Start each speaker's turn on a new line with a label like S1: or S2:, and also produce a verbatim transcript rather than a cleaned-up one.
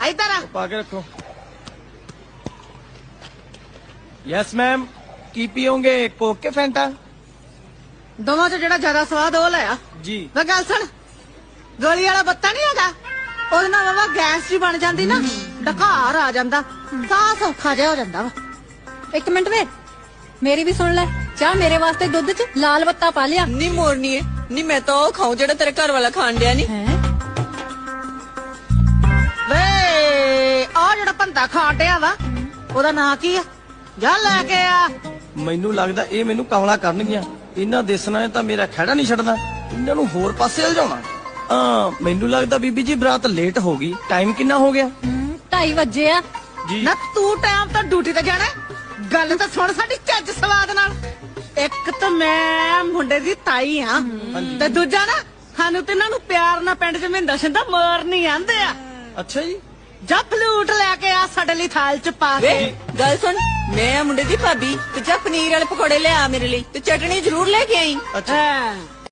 S1: ਇੱਧਰ ਆ।
S2: ਪਾ ਕੇ ਰੱਖੋ। ਯੈਸ ਮੈਮ, ਕੀ ਪੀਓਗੇ, ਕੋਕ ਕੇ ਫੈਂਟਾ?
S1: ਦੋਵਾਂ ਚ ਜਿਹੜਾ ਜ਼ਿਆਦਾ ਸਵਾਦ ਉਹ ਲੈ ਆ।
S2: ਜੀ।
S1: ਮੈਂ ਗੱਲ ਸੁਣ, ਗੋਲੀ ਵਾਲਾ ਬੱਤਾ ਨਹੀਂ ਹੈਗਾ, ਉਹਦੇ ਨਾਲ ਬਾਬਾ ਗੈਸ ਜੀ ਬਣ ਜਾਂਦੀ ਨਾ, ਡਕਾਰ ਆ ਜਾਂਦਾ, ਸਾਹ ਸੌਖਾ ਜਿਹਾ ਹੋ ਜਾਂਦਾ ਵਾ।
S3: ਇੱਕ ਮਿੰਟ ਵੇ, ਮੇਰੀ ਵੀ ਸੁਣ ਲੈ। ਚਾਹ ਮੇਰੇ ਵਾਸਤੇ ਦੁੱਧ ਚ ਲਾਲ ਬੱਤਾ ਪਾ ਲਿਆ।
S4: ਨੀ ਮੋਰਨੀ ਏ ਨੀ, ਮੈਂ ਤਾਂ ਉਹ ਖਾਉ ਜਿਹੜਾ ਤੇਰੇ ਘਰ ਵਾਲਾ ਖਾਣ ਡਿਆ ਨੀ।
S3: ਹੈ
S1: ਵੇ ਆ ਜਿਹੜਾ ਭੰਦਾ ਖਾਣ ਡਿਆ ਵਾ, ਉਹਦਾ ਨਾਂ ਕੀ ਆ? ਜਾ ਲੈ ਕੇ ਆ।
S2: ਮੈਨੂੰ ਲੱਗਦਾ ਇਹ ਮੈਨੂੰ ਕਮਲਾ ਕਰਨਗੀਆਂ। ਇਹਨਾਂ ਦੇਸਣਾ ਨੇ ਤਾਂ ਮੇਰਾ ਖਹਿੜਾ ਨਹੀਂ ਛੱਡਣਾ, ਇਹਨਾਂ ਨੂੰ ਹੋਰ ਪਾਸੇ ਲਿਜਾਉਣਾ। ਆ ਮੈਨੂੰ ਲੱਗਦਾ ਬੀਬੀ ਜੀ ਬਰਾਤ ਲੇਟ ਹੋ ਗਈ। ਟਾਈਮ ਕਿੰਨਾ ਹੋ ਗਿਆ?
S3: ਹਮ, ਢਾਈ ਵਜੇ ਆ।
S2: ਜੀ।
S1: ਨਾ ਤੂੰ ਟਾਈਮ ਤਾਂ ਡਿਊਟੀ ਤੇ ਜਾਣਾ, ਗੱਲ ਤਾਂ ਸੁਣ ਸਾਡੀ ਚੱਜ ਸਵਾਦ ਨਾਲ। ਇੱਕ ਤਾਂ ਮੈਂ ਮੁੰਡੇ ਦੀ ਤਾਈ ਆ, ਤੇ ਦੂਜਾ ਨਾ ਸਾਨੂੰ ਤੇ ਇਹਨਾਂ ਨੂੰ ਪਿਆਰ ਨਾਲ ਪਿੰਡ ਚ ਮਹਿੰਦਾ ਸ਼ਿੰਦਾ ਮਾਰਨੀ ਆਂਦੇ ਆ।
S2: ਅੱਛਾ ਜੀ।
S1: ਜਾ ਫਲੂਟ ਲੈ ਕੇ ਆ ਸਾਡੇ ਲਈ ਥਾਲ ਚ ਪਾ
S4: ਵੇ
S1: ਕੇ।
S4: ਗੱਲ ਸੁਣ, ਮੈਂ ਆ ਮੁੰਡੇ ਦੀ ਭਾਬੀ, ਤੇ ਜਾ ਪਨੀਰ ਵਾਲੇ ਪਕੌੜੇ ਲਿਆ ਮੇਰੇ ਲਈ, ਤੇ ਚਟਣੀ ਜ਼ਰੂਰ ਲੈ ਕੇ ਆਈ।
S2: ਅੱਛਾ।
S1: ਹਾਂ।